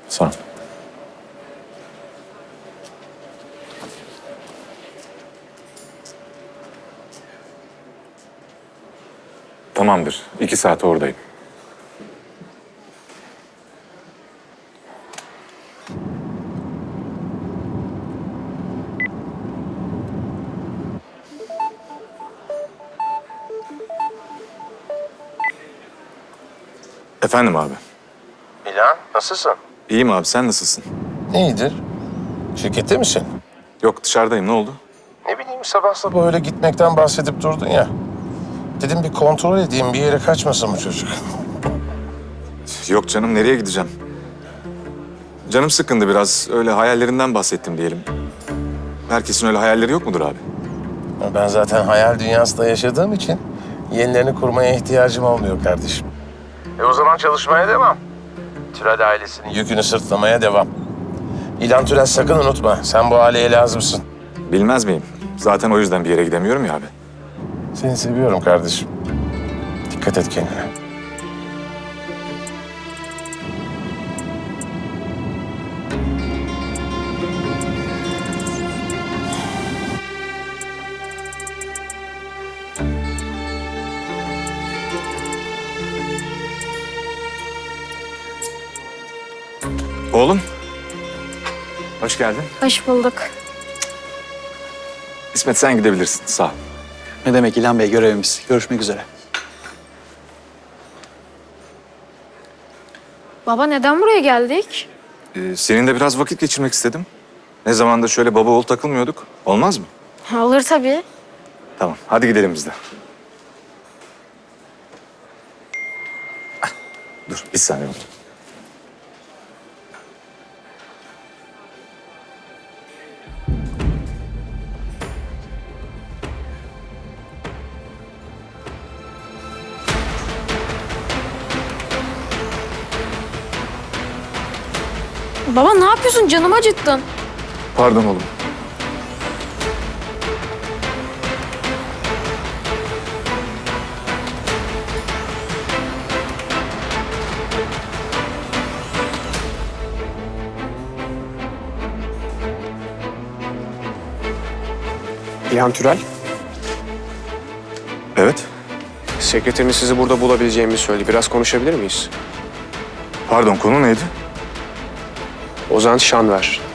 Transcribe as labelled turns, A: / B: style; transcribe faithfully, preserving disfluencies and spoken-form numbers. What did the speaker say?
A: Sağ ol. Tamamdır. İki saat oradayım. Efendim abi.
B: İlhan, nasılsın?
A: İyiyim abi, sen nasılsın?
B: İyidir. Şirkette misin?
A: Yok, dışarıdayım. Ne oldu?
B: Ne bileyim, sabah sabah öyle gitmekten bahsedip durdun ya. Dedim bir kontrol edeyim, bir yere kaçmasın bu çocuk.
A: Yok canım, nereye gideceğim? Canım sıkkındı biraz. Öyle hayallerinden bahsettim diyelim. Herkesin öyle hayalleri yok mudur abi?
B: Ben zaten hayal dünyasında yaşadığım için yenilerini kurmaya ihtiyacım olmuyor kardeşim. E o zaman çalışmaya devam. Türel ailesinin yükünü sırtlamaya devam. İlhan Türel, sakın unutma. Sen bu aileye lazımsın.
A: Bilmez miyim? Zaten o yüzden bir yere gidemiyorum ya abi.
B: Seni seviyorum kardeşim. Dikkat et kendine.
A: Oğlum. Hoş geldin.
C: Hoş bulduk.
A: İsmet, sen gidebilirsin. Sağ ol.
D: Ne demek İlhan Bey, görevimiz. Görüşmek üzere.
C: Baba neden buraya geldik?
A: Ee, seninle biraz vakit geçirmek istedim. Ne zamandır şöyle baba oğul takılmıyorduk. Olmaz mı?
C: Olur tabii.
A: Tamam, hadi gidelim biz de. Ah, dur, bir saniye oldu.
C: Baba ne yapıyorsun? Canımı acıttın.
A: Pardon oğlum.
E: İlhan Türel,
A: Evet.
E: sekreteriniz sizi burada bulabileceğimi söyledi. Biraz konuşabilir miyiz?
A: Pardon, konu neydi?
E: Ozan Şanver.